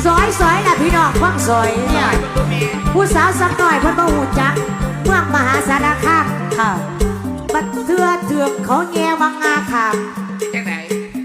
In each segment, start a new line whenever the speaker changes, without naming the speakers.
ซอยนะพี่น้องฟังซอยเนี่ยผู้สาวสักหน่อยเพิ่นบ่ฮู้จักเมืองมหาสารคามค่ะบัดเถื่อเถือกเขาแย่วังงาขาม
จังไหน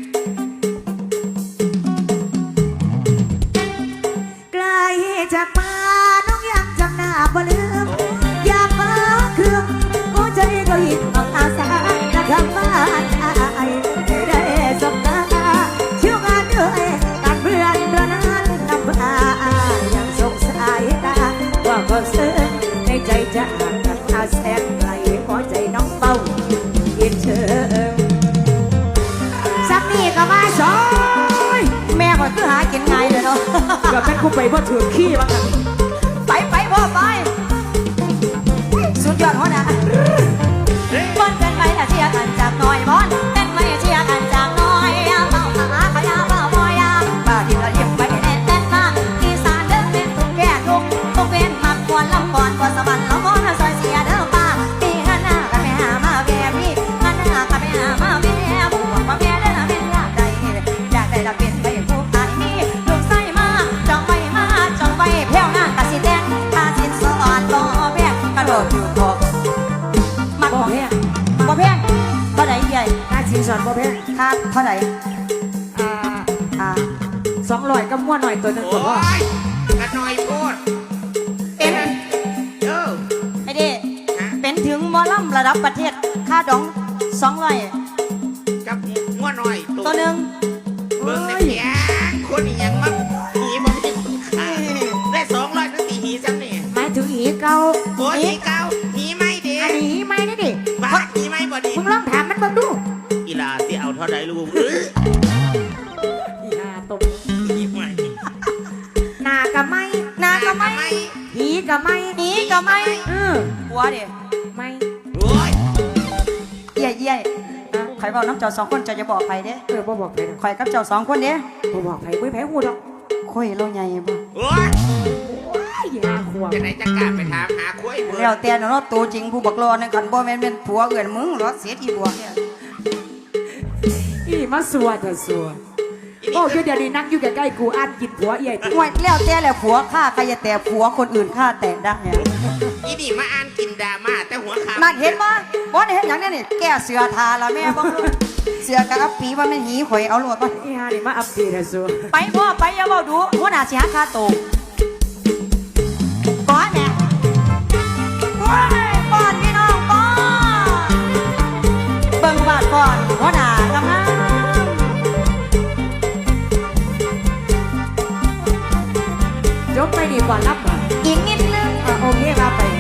ไกลจากมาน้องยังจำหน้าบ่ลืมอยากมาคืนหัวใจก็ยิ่งบังอาสาจะทำบ้านอายได้สบตาเที่ยวงานด้วยการเพื่อนเท่านั้นนำพายังสงสัยตาว่าก็ซึ้งในใจจะอ่านกับอาแสนไกลหัวใจน้องเป้ายินเชิงสักนี่ก็มาสอยแม่ก็คือหากินไงเลยเนาะก็เป็นคู่ไปเพราะถือขี้บ้างกันไปพ่อไปสุดยอดหัวหน้าบอนเป็นไปเชียร์กันจากน้อยบอนเป็นไปเชียร์กันจากน้อยเบาขาขยาเบาบอยบ้าที่เราเลี้ยงไปแน่แน่นมาที่สารเดินเป็นทุกแก่ทุกเว้นมักควรลำก่อนกว่าสวรรค์ละคนซอยเสียเด้อป้าปีหันหน้ากันไปหามาแวพี่หันหน้ากันไปหามาแวบวกมาแวเด้อเป็นอยากได้ละเป็นไปผู้ขายนี่ลูกไส้มาจองไว้แพ้วหน้าตาสีแดงตาสินสอนบ่แพงกระโดดอยู่ขอบมักบ่แพงเท่าไหร่ใหญ่ตาสินสอนบ่แพงครับเท่าไหร่200ก็ม้วนหน่อยตัวนึงตัวพ่อก
ระหน่อยโพด
เป็นไอ้ดิเป็นถึงหมอลำระดับประเทศค่าดอง200
กับงัวหน่อย
ตัวนึง
เบิ่งในเพียงคนอีหยังมันหีบ่มีได้200ทั้ง4หีซ้ำนี่
หมายถึงหีเก่า
โอ้หีเก่าหีใหม่เด้
อันนี้หีใหม่นี่ดิ
บ้าหีใหม่บ่ดิ
มึงลองถามมันเบิ่งดู
อีหลาสิเอาเท่าใดลูก
อีหาตบ
หีใหม่
หน้าก็ไม่หีก็ไม่หัวดิไม่
โอ้ย
เย่ใครบอกน้ำเจ้า2คนจะบอกใครเด้บ่บอกใครข่อยกับเจ้า2คนเด้บ่บอกใครไม่แพ้หูดอกคุยเราใหญ่บ่
โอ้ย
อย่าขวบ
จะไหนจะกล้าไปถามหาคุย
เแล้วแต่เนาะตัวจริงผู้บักรอนั่นกันบ่แม่นเป็นผัวเอื้อนมึงหรอเสียทีบัวเนี่ยอีมาสัวเถอะสัวโอ้ยเดี๋ยวนี้นั่งอยู่ใกล้ๆกูอ่านกินผัวใหญ่ห่วยแล้วแต่แหละผัวฆ่าใครจะแต่ผัวคนอื่นฆ่าแต่ได้เนี่ย
อีนี่มาอ่านกินดราม่าแต่หัวขา
มาเห็นบ่บ่ได้เห็นหยังเนี่ยนี่แก้เสือทาละแม่บ่เสือกับอัปปีว่ามันหีข่อยเอาโลดบ่อีห่านี่มาอัปปีเถอะสัวไปพ่อไปอย่าเว้าดูหัวหน้าสิหาค่าโตป้อนแม่ป้อนพี่น้องป้อนเบิ่งบาดก่อนหัวหน้ากำลังยกไปดีกว่ารับอีกนิดนึงโอเคครับไป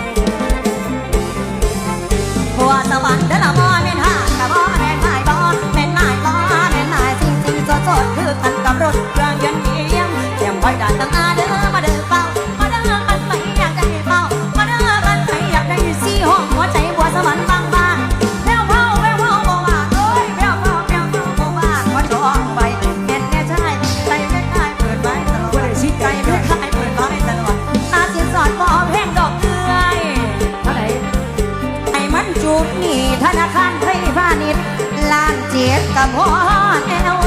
หัวสวรรค์เด้อละบ่แม่นหากะบ่แม่นหายบ่แม่นหายบ่แม่นหายจริงๆสดๆคือกันกับรถเครื่องยนต์เยี่ยมเยี่ยมไว้ด่านตั้งอาเด้อมาเด้อเป้ามาเด้อกันไปอยากได้เป้ามาเด้อกันไปอยากได้สี่ห้องหัวใจบัวสวรรค์บางแผ่วบ่ว่าเอ้ยแผ่วบ่ว่าหัวจองไปแม่นแน่ใช่ใจไม่คายเปิดไว้ตลอดใจไม่คายเปิดไว้ตลอดตาสินสอดบ่แพงดอกเอื้อยเท่าไหร่ให้มันจุกหนี้ธนาคารไทยพาณิชย์ล้าน7กับหัวแอล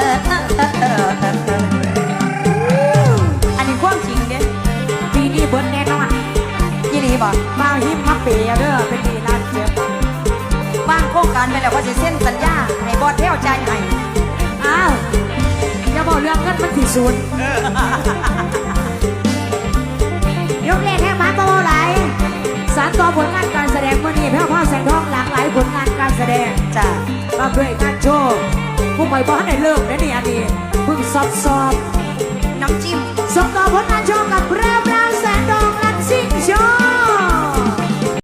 อันนี้ความจริงเด้ปีนี้เบิดแน่นอนยี่หลีบ่มาหิมมาเปียเด้อเป็นดีล้าน7บ้างโครงการไปแล้วว่าสิเซ็นสัญญาให้บอสเที่ยวใจให้อ้าวอย่าบอกเรื่องเงินมันที่สุดยกเล่นแห่งบ้านบ่ไหลสารต่อผลงานการแสดงเมื่อนี้แพ้วพ่อแสงทองหลากหลายผลงานการแสดงจ้ะมาด้วยการโชว์ผู้ใหม่บอกให้ได้เลิกนะนี่อันนี้เพิ่งสอบน้ำจิ้มส่งต่อผลงานโชว์กับ